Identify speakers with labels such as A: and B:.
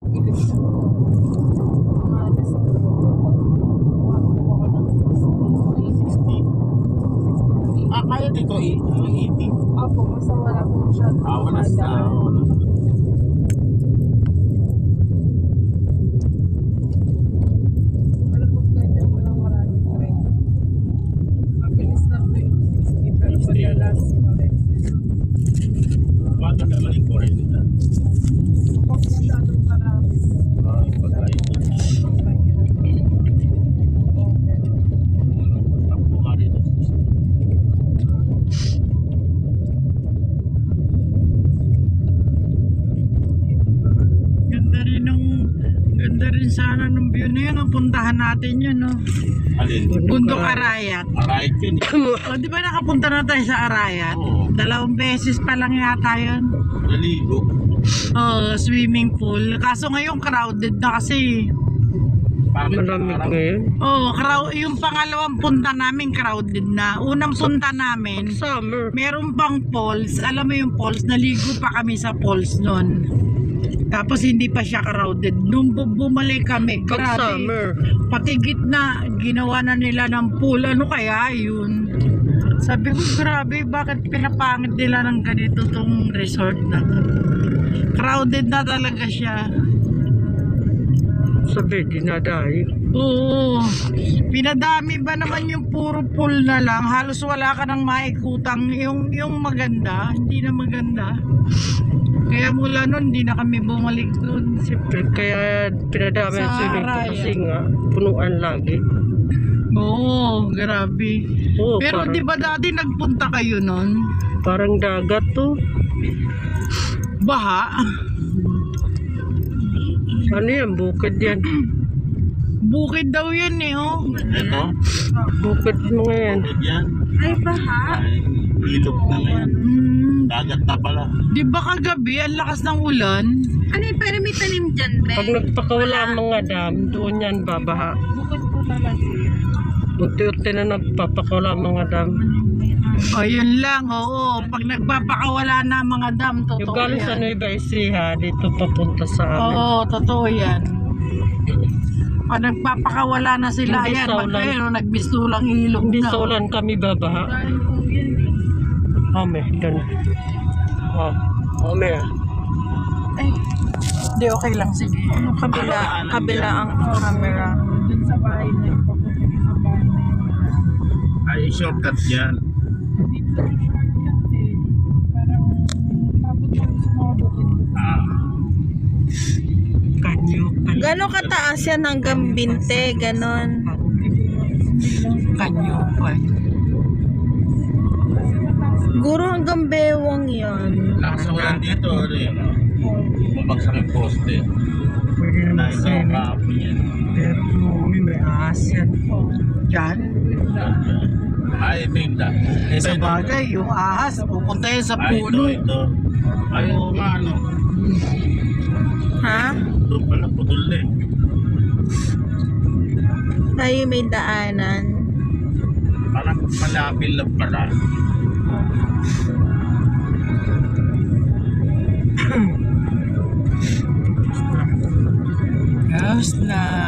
A: Kaya dito 80.
B: Opo, basta wala po siya.
A: Wala sa...
B: Wala po ganyan po ng maraming train. Mabilis na po yung 60 pero madalas pa rin.
A: Bago naman yung foreign nila.
B: Kapag masyadong marami.
A: Pagkain na. Takbo ka dito.
C: Ganda rin sana ng view na yun. Puntahan natin yun, no?
A: Alin?
C: Bundok Arayat.
A: Arayat yun eh.
C: O, di ba nakapunta na tayo sa Arayat?
A: Oo.
C: 2 beses pa lang yata yun.
A: Naligo.
C: Swimming pool. Kaso ngayon crowded na kasi.
A: Malamig ngayon.
C: Yung pangalawang punta namin crowded na. Unang punta namin,
A: Summer.
C: meron pang falls. Alam mo yung falls, naligo pa kami sa falls nun. Tapos hindi pa siya crowded. Nung bumalik kami, grabe. Pati gitna, ginawa na nila ng pool. Ano kaya yun? Sabi ko, grabe, bakit pinapangit nila ng ganito tong resort na to? Crowded na talaga siya.
A: Sabi, dinadayo.
C: Oo. Pinadami ba naman yung puro pool na lang? Halos wala ka nang maikutang. Yung maganda, hindi na maganda. Kaya mula nun, hindi na kami bumalik dun.
A: Siyempre, kaya pinadami
C: Sa
A: ang swimming pool
C: Arayat.
A: kasi nga, punuan lagi.
C: Oo, grabe.
A: Oo,
C: Pero
A: parang,
C: di ba dati nagpunta kayo nun?
A: parang dagat to.
C: Baha?
A: Ano yan? Bukid yan.
C: Bukid daw yan eh, oh.
A: Ito? Bukid mo yan. Bukid yan.
B: Ay, baha.
A: Ay, ilog na ngayon. Dagat na pala.
C: Di ba kagabi, ang lakas ng ulan?
B: Ano yung pero may tanim dyan, Be?
A: Pag nagpakawala ang mga dam, doon yan babaha.
B: Bukod po talaga.
A: Unti-unti na nagpapakawala ang mga dam.
C: O, yun lang, oo. Pag nagpapakawala na mga dam,
A: Yung
C: totoo
A: galing sa
C: yan.
A: Nueva Ecija, dito papunta sa amin.
C: Oo, totoo yan. Pag nagpapakawala na sila,
A: Hindi
C: ayan,
A: sa ulan.
C: ayun, nagbistulang ilog
A: Hindi
C: na.
A: sa ulan kami babaha. Ame, doon. Ame.
C: Hindi, okay lang, sige.
B: Kabila ang camera.
C: Dun sa bahay na yun, papunta sa bahay na yun.
A: Ay, shortcut yan.
C: Dito yung shortcut eh. Parang tapos yung sumabukid.
A: Kanyo.
B: Gano'ng kataas yan hanggang binte? Ganon.
C: Kanyo pa.
B: Siguro hanggang bewang yan.
A: Lakas ng ulan dito, ano yun? Babagsak yung poste.
C: Pwede naman
A: Dahil sa kahapon yan.
C: pero may ahas yan. Yan.
A: Ay, ito yung da.
C: Sa bagay, yung ahas, pupunta yan sa
A: Ay,
C: puno.
A: ito. Ay, oo nga, ano.
B: Ha?
A: Doon pala, putol na eh.
B: Tayo may daanan.
A: Parang malapil lang pala.
C: Yes na.